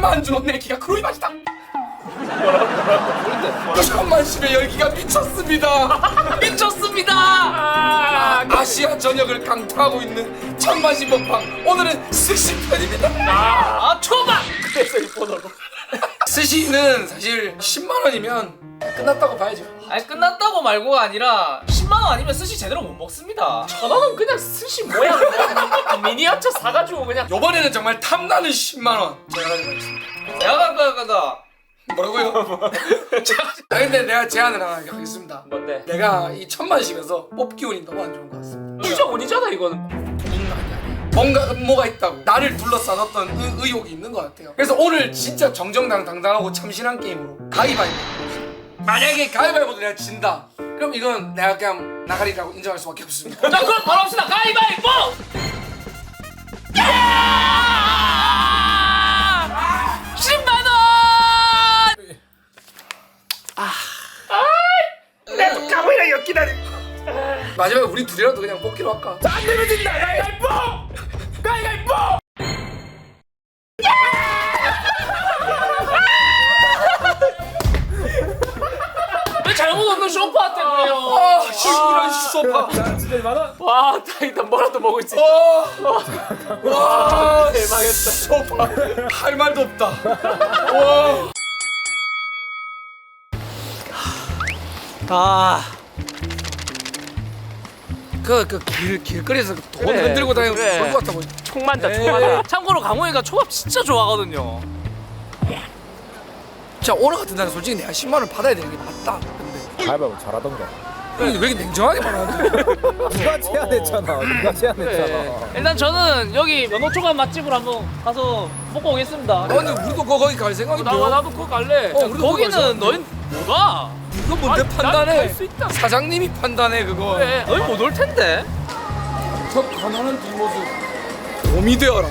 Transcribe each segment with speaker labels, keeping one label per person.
Speaker 1: 천만 주 내 기가 크로이 맛이다. 천만십의 열기가 미쳤습니다. 미쳤습니다. 아시아 전역을 강타하고 있는 천만십 먹방. 오늘은 스시 편입니다.
Speaker 2: 초밥.
Speaker 3: 그래서 이 번호로.
Speaker 1: 스시는 사실 10만 원이면 끝났다고 봐야죠.
Speaker 2: 아니 끝났다고 말고가 아니라 10만 원 아니면 스시 제대로 못 먹습니다.
Speaker 3: 1,000원은 그냥 스시 모양 미니어처 사가지고 그냥.
Speaker 1: 요번에는 정말 탐나는 10만 원 제가 가져가겠습니다.
Speaker 2: 내가 가가
Speaker 1: 뭐라고요? 근데 내가 제안을 하나 하겠습니다.
Speaker 3: 뭔데?
Speaker 1: 내가 이 천만십에서 뽑기 운이 너무 안 좋은 것 같습니다.
Speaker 3: 진짜 운이잖아 이거는.
Speaker 1: 뭔가 음모가 있다고 나를 둘러싼 어떤 의혹이 있는 것 같아요. 그래서 오늘 진짜 정정당당하고 참신한 게임으로 가위바위보. 만약에 가위바위보도 내가 진다, 그럼 이건 내가 그냥 나가리라고 인정할 수밖에 없습니다.
Speaker 2: 자 그럼 바로 합시다. 가위바위보. 10만 원.
Speaker 3: 나도 가보이라 엮기다니.
Speaker 1: 마지막에 우리 둘이라도 그냥 뽑기로 할까?
Speaker 3: 안 내면 진다. 가위바위보. 가위바위보.
Speaker 2: 왜 잘못 없는 소파한테 그래요?
Speaker 1: 이런 소파.
Speaker 3: 진짜 2만 원? 와, 다행이다. 뭐라도 먹을 수 있다.
Speaker 1: 와,
Speaker 3: 대망했다.
Speaker 1: 소파. 할 말도 없다. 와. 길거리에서 돈
Speaker 3: 그래,
Speaker 1: 흔들고 다니는
Speaker 3: 그래.
Speaker 1: 좋은 것 같아 보이.
Speaker 3: 총 만다. 총 만다.
Speaker 2: 참고로 강호이가 초밥 진짜 좋아하거든요.
Speaker 1: 자, 오늘 같은 날은 솔직히 내가 10만 원 받아야 되는 게 맞다. 근데
Speaker 4: 가위바위보 잘하던가.
Speaker 1: 왜 이렇게 냉정하게 말하는데?
Speaker 4: 누가 제안했잖아. 누가 제안했잖아.
Speaker 2: 일단 저는 여기 연어초밥 맛집으로 한번 가서 먹고 오겠습니다.
Speaker 1: 아니 우리도 거기 갈 생각인데.
Speaker 3: 나도 그거 갈래.
Speaker 1: 우리도 거기 갈
Speaker 2: 거기는 너희 뭐가?
Speaker 1: 이거 뭔데 판단해?
Speaker 3: 갈수 있다.
Speaker 1: 사장님이 판단해 그거.
Speaker 3: 그래.
Speaker 2: 너희 못 올 텐데.
Speaker 1: 저 가난한 뒷모습 곰이 되어라.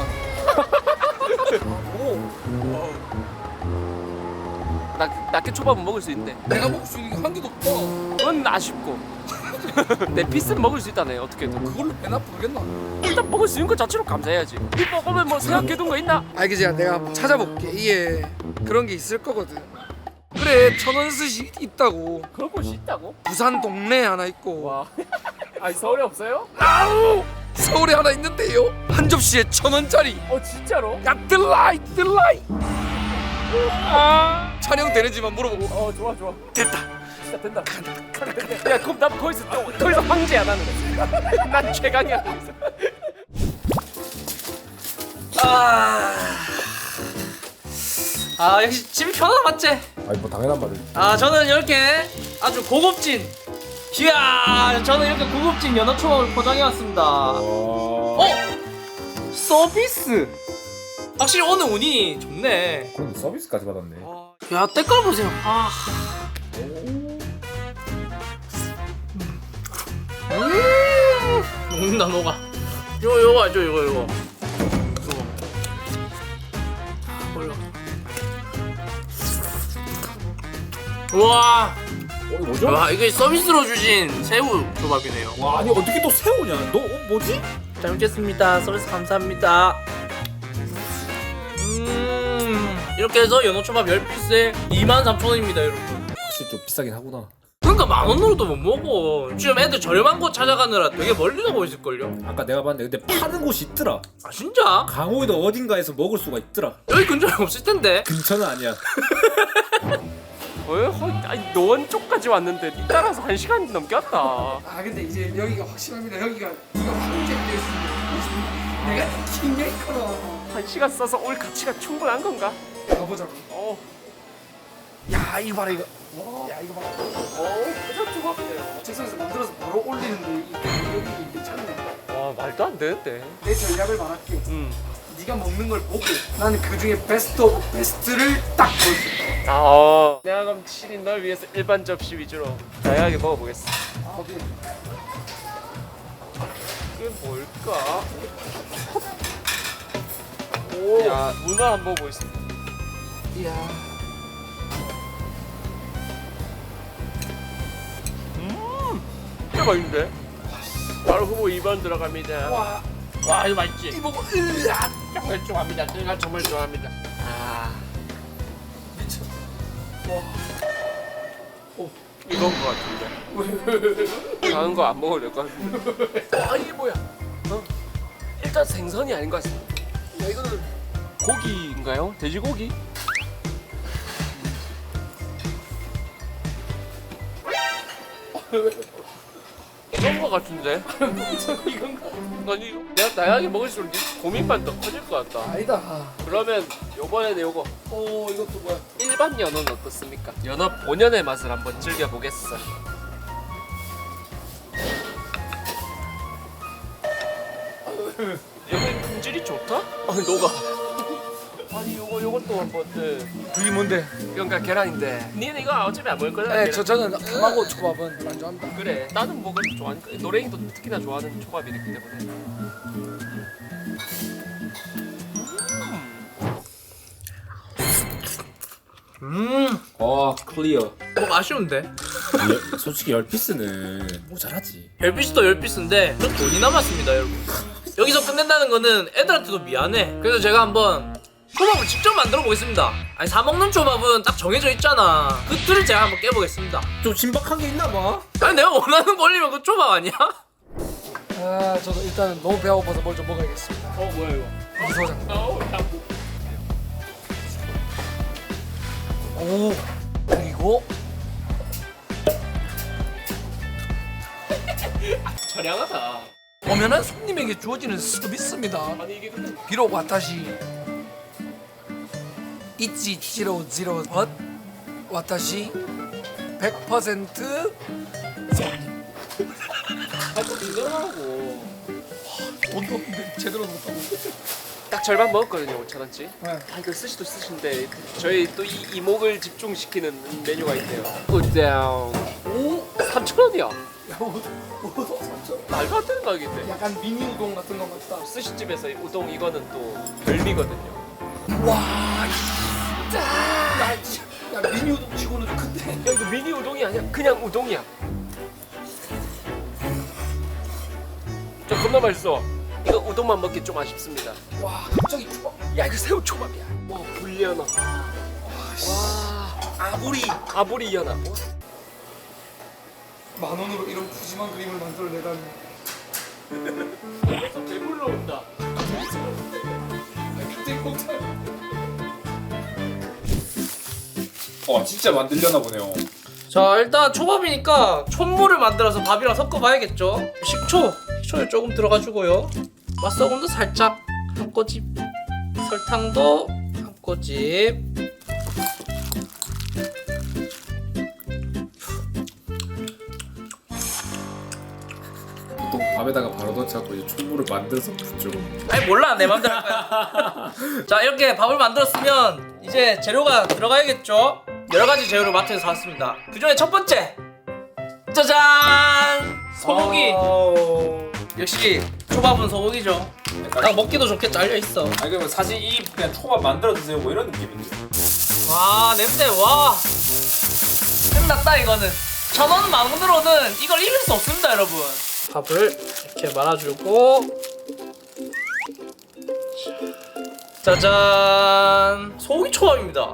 Speaker 3: 낙게 초밥은 먹을 수 있는데.
Speaker 1: 내가 먹을 수 있는 게 한 개도 없다.
Speaker 3: 그건 아쉽고. 내 피스는 먹을 수 있다네. 어떻게든.
Speaker 1: 그걸로 배나 부르겠나?
Speaker 3: 일단 먹을 수 있는 것 자체로 감사해야지. 이 먹으면 뭐 생각해둔 거 있나?
Speaker 1: 알겠지? 내가 한번 찾아볼게. 이게 그런 게 있을 거거든. 그래, 천원 스시 있다고.
Speaker 3: 그런 곳이 있다고?
Speaker 1: 부산 동네에 하나 있고.
Speaker 3: 와. 아니 서울에 없어요?
Speaker 1: 아우! 서울에 하나 있는데요. 한 접시에 1,000원짜리.
Speaker 3: 진짜로?
Speaker 1: 야, 들라이. 촬영 되는지만 물어보고.
Speaker 3: 좋아.
Speaker 1: 됐다.
Speaker 3: 진짜 된다. 야 그럼 나도 거기서 황제야 나는. 난 최강이야.
Speaker 2: 역시 집이 편하다 맞지?
Speaker 4: 아니 뭐 당연한 말을.
Speaker 2: 저는 이렇게 아주 고급진 저는 이렇게 고급진 연어초밥을 포장해 왔습니다. 서비스. 확실히 오늘 운이 좋네.
Speaker 4: 그런데 서비스까지 받았네.
Speaker 2: 야 때깔 보세요. 녹는다 녹아. 이거 알죠 이거. 와,
Speaker 4: 이거 뭐죠?
Speaker 2: 이게 서비스로 주신 새우 조밥이네요.
Speaker 4: 와 아니 어떻게 또 새우냐? 너 뭐지?
Speaker 2: 잘 먹겠습니다. 서비스 감사합니다. 이렇게 해서 연어초밥 10피스에 23,000원입니다 여러분.
Speaker 4: 확실히 좀 비싸긴 하구나.
Speaker 2: 그러니까 10,000원으로도 못 먹어. 지금 애들 저렴한 곳 찾아가느라 되게 멀리 가고 있을걸요?
Speaker 4: 아까 내가 봤는데 근데 파는 곳이 있더라.
Speaker 2: 아 진짜?
Speaker 4: 강호에도 어딘가에서 먹을 수가 있더라.
Speaker 2: 여기 근처에 없을 텐데.
Speaker 4: 근처는 아니야.
Speaker 3: 아니 노원 쪽까지 왔는데 니 따라서 1시간 넘게 왔다.
Speaker 1: 근데 이제 여기가 확실합니다. 여기가 황제가 될 수 있는 내가 킹메이커로
Speaker 3: 1시간 써서 올 가치가 충분한 건가?
Speaker 1: 가보자고. 야, 이거 봐라 이거. 야, 이거 봐라.
Speaker 3: 회전 초밥이에요.
Speaker 1: 책상에서 만들어서 바로 올리는데 이 가격이 괜찮네.
Speaker 3: 와 말도 안 되는데.
Speaker 1: 내 전략을 말할게. 네가 먹는 걸 보고 나는 그 중에 베스트 오브 베스트를 딱 보여줄게.
Speaker 3: 내가 그럼 7인 널 위해서 일반 접시 위주로 다양하게 먹어보겠어.
Speaker 1: 오케이.
Speaker 3: 그게 뭘까? 야 문어 한번 보겠습니다.
Speaker 1: 이야.
Speaker 3: 진짜 맛있는데? 바로 후보 2번 들어갑니다.
Speaker 1: 와,
Speaker 2: 와 이거 맛있지?
Speaker 1: 이 보고 으아.
Speaker 2: 정말 좋아합니다. 제가 정말 좋아합니다.
Speaker 3: 아
Speaker 1: 미쳐.
Speaker 3: 이건 거 같은데. 다른 거 안 먹어도 될 것 같은데. 아 이게 뭐야? 일단 생선이 아닌 것 같습니다. 야 이거는 고기인가요? 돼지고기? 이건 거 같은데? 아니 이거 내가 다양하게 먹을수록 고민만 더 커질 것 같다.
Speaker 1: 아니다.
Speaker 3: 그러면 요번에는 요거
Speaker 1: 오 이것도 뭐야?
Speaker 3: 일반 연어는 어떻습니까? 연어 본연의 맛을 한번 즐겨보겠어. 여기 품질이 좋다? 아니 녹아. 아니 요것도 한번
Speaker 1: 그게 뭔데?
Speaker 3: 그러니까 계란인데 니는 이거 어차피 안 먹을 거잖아.
Speaker 1: 네, 저는汤초밥은 별로 안 좋아합니다.
Speaker 3: 그래 나는 먹을 줄 좋아하니까 노랭이도 특히나 좋아하는 초밥이기 때문에.
Speaker 4: 클리어.
Speaker 2: 뭐 아쉬운데?
Speaker 4: 솔직히 10피스는 모자라지.
Speaker 2: 10피스도 10피스인데 저 돈이 남았습니다 여러분. 여기서 끝낸다는 거는 애들한테도 미안해. 그래서 제가 한번 초밥을 직접 만들어 보겠습니다. 아니 사먹는 초밥은 딱 정해져 있잖아. 그 틀을 제가 한번 깨보겠습니다.
Speaker 4: 좀 신박한 게 있나 봐.
Speaker 2: 아니 내가 원하는 거 올리면 그 초밥 아니야?
Speaker 1: 아 저도 일단은 너무 배가 고파서 뭘 좀 먹어야겠습니다.
Speaker 3: 뭐야 이거?
Speaker 1: 미소장. 오 그리고
Speaker 3: 저량하다.
Speaker 1: 오면은 손님에게 주어지는 서비스입니다.
Speaker 3: 아니 이게 근데
Speaker 1: 비록 와타시 이치 지로 지로 벗 와타시 100% 손님.
Speaker 3: 아좀 제대로하고
Speaker 1: 돈도 없는데 제대로 못하고.
Speaker 3: 딱 절반 먹었거든요 5,000원치.
Speaker 1: 네.
Speaker 3: 아 이거 스시도 스시인데 저희 또 이 이목을 집중시키는 메뉴가 있대요. 굿다운. 오 3,000원이야.
Speaker 1: 야, 우동 3,000원.
Speaker 3: 말도 안 되는 가격인데.
Speaker 1: 약간 미니 우동 같은 거 같다.
Speaker 3: 스시집에서 우동 이거는 또 별미거든요.
Speaker 1: 와, 진짜. 야, 미니 우동 치고는 좀 큰데.
Speaker 3: 야 이거 미니 우동이 아니야 그냥 우동이야. 저 겁나 맛있어. 이거 우동만 먹기 좀 아쉽습니다.
Speaker 1: 와, 갑자기 초밥.
Speaker 3: 야 이거 새우 초밥이야. 와 불리연어. 와 아부리 연어.
Speaker 1: 10,000원으로 이런 푸짐한 그림을 만들어내다니.
Speaker 3: 배불러 온다.
Speaker 1: 갑자기 공짜.
Speaker 4: 진짜 만들려나 보네요.
Speaker 2: 자 일단 초밥이니까 촛물을 만들어서 밥이랑 섞어봐야겠죠. 식초를 조금 들어가주고요. 맛소금도 살짝 한 꼬집, 설탕도 한 꼬집.
Speaker 4: 보통 밥에다가 바로 넣자고 이제 촛물을 만들어서 붓죠.
Speaker 2: 아니 몰라 내 맘대로 할 거야. 자 이렇게 밥을 만들었으면 이제 재료가 들어가야겠죠. 여러가지 재료를 마트에서 샀습니다. 그 중에 첫 번째 짜잔 소고기. 역시 초밥은 소고기죠. 딱 먹기도 좋게 잘려있어.
Speaker 4: 아니 그러면 사실 이 그냥 초밥 만들어 드세요 뭐 이런 느낌인데.
Speaker 2: 와 냄새 와 끝났다 이거는. 1,000원 만원으로는 이걸 이길 수 없습니다 여러분. 밥을 이렇게 말아주고 짜잔 소고기 초밥입니다.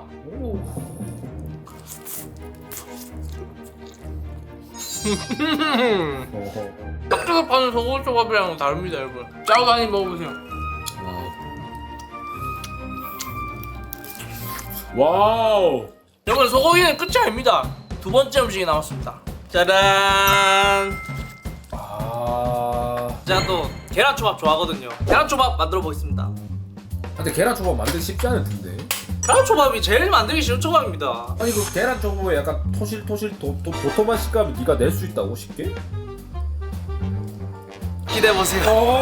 Speaker 2: 밖에서 파는 소고기 초밥이랑은 다릅니다 여러분. 짜고 다니 먹어보세요.
Speaker 4: 와우.
Speaker 2: 여러분 소고기는 끝이 아닙니다. 두 번째 음식이 남았습니다. 짜란. 제가 또 계란초밥 좋아하거든요. 계란초밥 만들어 보겠습니다.
Speaker 4: 근데 계란 초밥 만들기 쉽지 않을 텐데.
Speaker 2: 계란초밥이 제일 만들기 쉬운 초밥입니다.
Speaker 4: 아니 그 계란 초밥에 약간 토실토실 도톰한 식감을 네가 낼 수 있다고 쉽게?
Speaker 2: 기대해 보세요.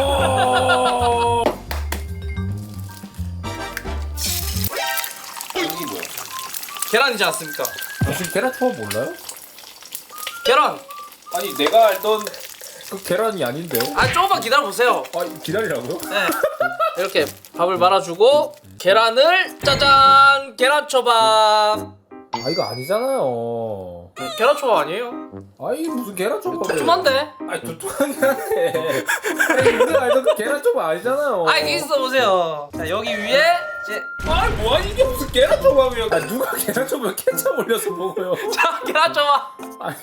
Speaker 4: 이게 뭐야?
Speaker 2: 계란이지 않습니까?
Speaker 4: 혹시 계란 초밥 몰라요?
Speaker 2: 계란.
Speaker 4: 아니 내가 알던 그 계란이 아닌데.
Speaker 2: 아 조금만 기다려 보세요.
Speaker 4: 기다리라고요?
Speaker 2: 네. 이렇게 밥을 말아주고 계란을 짜잔 계란초밥.
Speaker 4: 이거 아니잖아요.
Speaker 2: 계란초밥 아니에요?
Speaker 4: 아이 무슨 계란초밥.
Speaker 2: 두툼한데?
Speaker 4: 아니 두툼하긴 한데. 아니 우리가 알던 그 계란초밥 아니잖아요.
Speaker 2: 아이 있어 보세요. 자 여기 위에 이제
Speaker 4: 아이 뭐야 이게 무슨 계란초밥이야. 아 누가 계란초밥에 케첩 올려서 먹어요.
Speaker 2: 자 계란초밥.
Speaker 4: 아니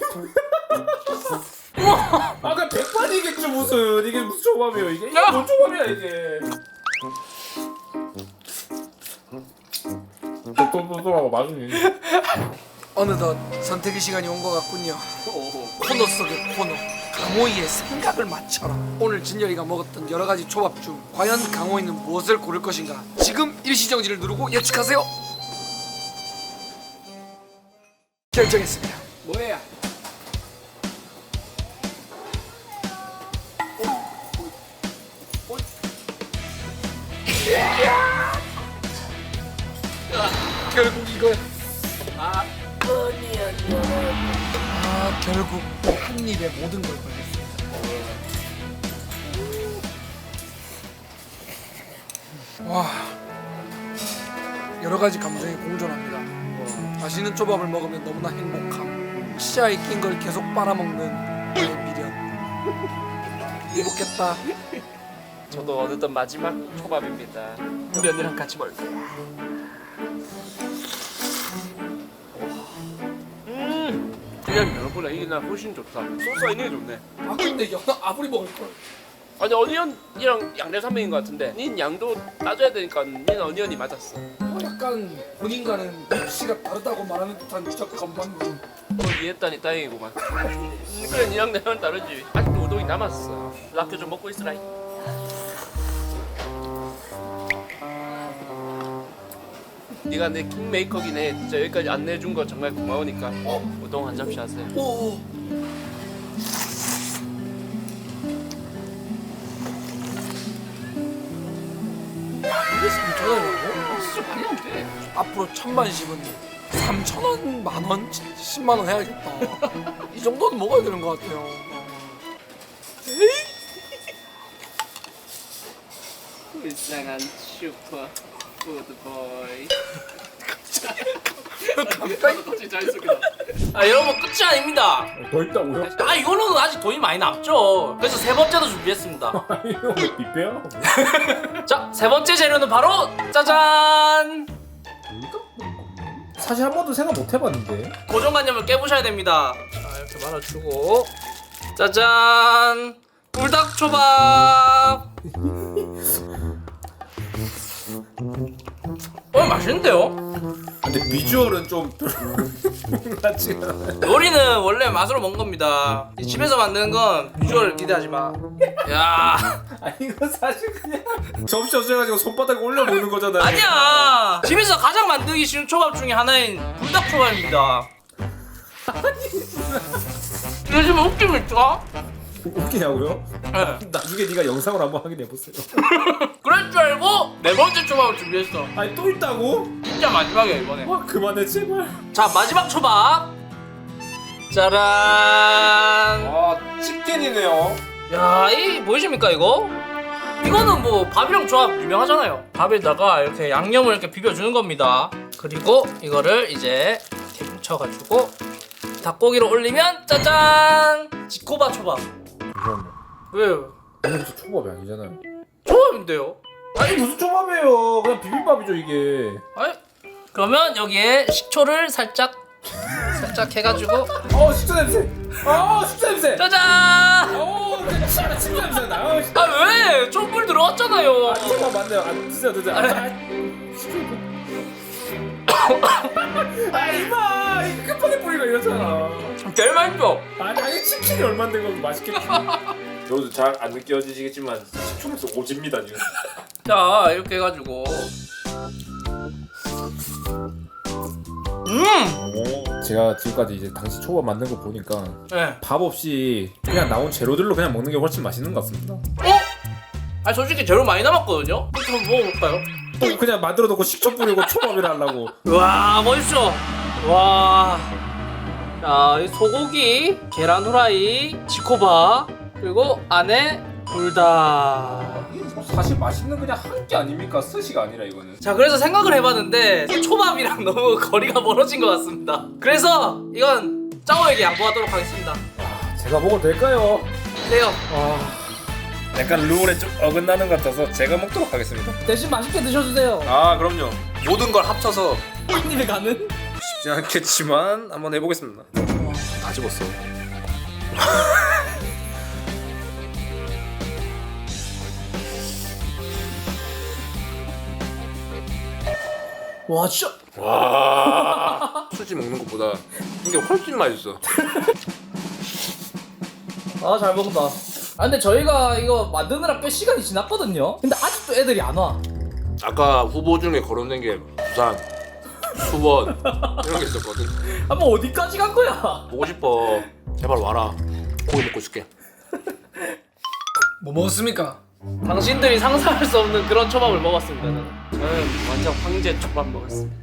Speaker 4: 아 그냥 백반이겠죠 무슨. 이게 무슨 초밥이에요 이게. 이게 뭔 초밥이야 이게. 또또또또 맛있니?
Speaker 1: 어느덧 선택의 시간이 온 것 같군요. 코너 속의 코너, 강호이의 생각을 맞춰라. 오늘 진열이가 먹었던 여러 가지 초밥 중 과연 강호이는 무엇을 고를 것인가? 지금 일시정지를 누르고 예측하세요. 결정했습니다. 뭐야? 결국 이거야. 결국 한 입에 모든 걸 걸렸습니다. 와, 여러 가지 감정이 공존합니다. 맛있는 초밥을 먹으면 너무나 행복함. 치아에 낀 걸 계속 빨아먹는 나의 미련. 행복했다.
Speaker 3: 저도 어느덧 마지막 초밥입니다. 우리 언니랑 같이 먹을 거야. 그냥 면보다 이게 나 훨씬 좋다. 소스가 있는 게 좋네.
Speaker 1: 아 근데 연어 아무리 먹을 걸.
Speaker 3: 아니 어니언이랑 양대산맥인 것 같은데 닌 양도 따져야 되니까 닌 어니언이 맞았어.
Speaker 1: 약간 본인과는 입시가 다르다고 말하는 듯한 주적 건방진.
Speaker 3: 뭘 이해했다니 다행이구만. 그래 니랑 내랑 다르지. 아직도 우동이 남았어. 라켓 좀 먹고 있으라. 네가 내 킹메이커긴 해. 진짜 여기까지 안내해준 거 정말 고마우니까 우동 한 접시 하세요.
Speaker 1: 오. 이게 3,000원이라고? 진짜 말이 안 돼. 앞으로 1,000만 씹은 3,000원, 만원, 10만원 해야겠다. 이 정도는 먹어야 되는 것 같아요.
Speaker 3: 불쌍한 슈퍼 푸드보이. 갑자기 잘 쓰기다.
Speaker 2: 아 여러분 끝이 아닙니다.
Speaker 4: 더 있다고요?
Speaker 2: 아 이걸로는 아직 돈이 많이 남죠. 그래서 세 번째도 준비했습니다.
Speaker 4: 아니 이거 왜 뷔페야?
Speaker 2: 자 세 번째 재료는 바로 짜잔.
Speaker 4: 사실 한 번도 생각 못 해봤는데.
Speaker 2: 고정관념을 깨부셔야 됩니다. 자 이렇게 말아주고 짜잔 불닭초밥. 맛있는데요?
Speaker 4: 근데 비주얼은 좀 별로같지 않아.
Speaker 2: 요리는 원래 맛으로 먹는 겁니다. 이 집에서 만드는 건 비주얼을 기대하지 마. 야
Speaker 4: 아니 이거 사실 그냥 접시 없애가지고 손바닥에 올려 먹는 거잖아요.
Speaker 2: 아니야. 집에서 가장 만들기 쉬운 초밥 중에 하나인 불닭초밥입니다. 요즘 웃깁니까?
Speaker 4: 웃기냐고요?
Speaker 2: 네.
Speaker 4: 나중에 네가 영상을 한번 확인해 보세요.
Speaker 2: 그럴 줄 알고 네 번째 초밥을 준비했어.
Speaker 4: 아니 또 있다고?
Speaker 2: 진짜 마지막이야 이번에.
Speaker 4: 와 그만해 제발.
Speaker 2: 자 마지막 초밥. 짜란.
Speaker 4: 와 치킨이네요.
Speaker 2: 야, 이 보이십니까 이거? 이거는 뭐 밥이랑 조합 유명하잖아요. 밥에다가 이렇게 양념을 이렇게 비벼주는 겁니다. 그리고 이거를 이제 이렇게 뭉쳐가지고 닭고기로 올리면 짜잔! 지코바 초밥.
Speaker 4: 잠깐만.
Speaker 2: 왜요?
Speaker 4: 이거 무슨 초밥이 아니잖아요.
Speaker 2: 초밥인데요?
Speaker 4: 아니 무슨 초밥이에요? 그냥 비빔밥이죠 이게.
Speaker 2: 아니, 그러면 여기에 식초를 살짝 해가지고
Speaker 4: 식초 냄새. 식초 냄새.
Speaker 2: 짜잔!
Speaker 4: 식초 냄새 나.
Speaker 2: 아 왜? 촛불 들어왔잖아요.
Speaker 4: 초밥 맞네요. 드세요. 이봐 이거 급하게 뿌리가 이러잖아.
Speaker 2: 제일 맛있어.
Speaker 4: 아니 치킨이 얼마인데 그거 맛있겠지. 저도 잘 안 느껴지시겠지만 식초면서 오집니다 지금.
Speaker 2: 자 이렇게 해가지고
Speaker 4: 제가 지금까지 이제 당시 초밥 만든 거 보니까
Speaker 2: 네.
Speaker 4: 밥 없이 그냥 나온 재료들로 그냥 먹는 게 훨씬 맛있는 것 같습니다.
Speaker 2: 아니 솔직히 재료 많이 남았거든요? 한번 먹어볼까요?
Speaker 4: 또 그냥 만들어 놓고 식초 뿌리고 초밥이라 하려고.
Speaker 2: 와 멋있어. 와. 자, 이 소고기, 계란 후라이, 지코바, 그리고 안에 불닭.
Speaker 4: 사실 맛있는 그냥 한 게 아닙니까? 스시가 아니라 이거는.
Speaker 2: 자, 그래서 생각을 해봤는데 초밥이랑 너무 거리가 멀어진 것 같습니다. 그래서 이건 짜오에게 양보하도록 하겠습니다.
Speaker 4: 제가 먹어도 될까요?
Speaker 2: 네요.
Speaker 4: 약간 룰에 좀 어긋나는 것 같아서 제가 먹도록 하겠습니다.
Speaker 5: 대신 맛있게 드셔주세요.
Speaker 4: 아 그럼요.
Speaker 6: 모든 걸 합쳐서
Speaker 5: 님이 가는.
Speaker 4: 쉽지 않겠지만 한번 해보겠습니다.
Speaker 6: 다 집었어.
Speaker 5: 와 진짜.
Speaker 6: 와. 수지 먹는 것보다 이게 훨씬 맛있어.
Speaker 5: 아 잘 먹는다. 아 근데 저희가 이거 만드느라 꽤 시간이 지났거든요. 근데 아직도 애들이 안 와.
Speaker 6: 아까 후보 중에 거론된 게 부산, 수원 이런 게 있었거든.
Speaker 5: 한번 어디까지 간 거야?
Speaker 6: 보고 싶어. 제발 와라. 고기 먹고 있을게.
Speaker 1: 뭐 먹었습니까?
Speaker 2: 당신들이 상상할 수 없는 그런 초밥을 먹었습니다. 저는.
Speaker 3: 저는 완전 황제 초밥 먹었습니다.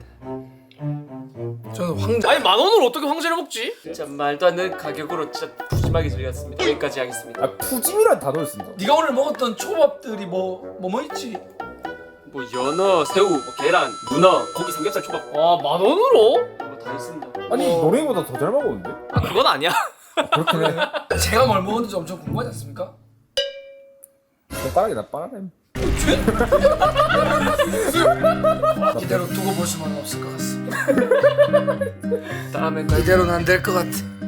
Speaker 1: 저는 황자.
Speaker 2: 아니 10,000원으로 어떻게 황제를 먹지?
Speaker 3: 진짜 말도 안 되는 가격으로 진짜 푸짐하게 즐겼습니다. 여기까지 하겠습니다.
Speaker 4: 아 푸짐이란 단어를 쓴다.
Speaker 1: 네가 오늘 먹었던 초밥들이 뭐 있지?
Speaker 3: 뭐 연어, 새우, 뭐 계란, 문어, 고기 삼겹살 초밥
Speaker 2: 와 10,000원으로?
Speaker 3: 뭐 다 있습니다.
Speaker 4: 아니 노랭이보다 더 잘 먹었는데?
Speaker 2: 아 그건 아니야.
Speaker 4: 그렇긴 해.
Speaker 1: 제가 뭘 먹었는지 엄청 궁금하지 않습니까?
Speaker 4: 젓가락이 나 빠르네.
Speaker 1: 이대로 두고 볼 수만은 없을 것 같습니다.
Speaker 3: 다음에
Speaker 1: 이대로는 안 될 것 같아.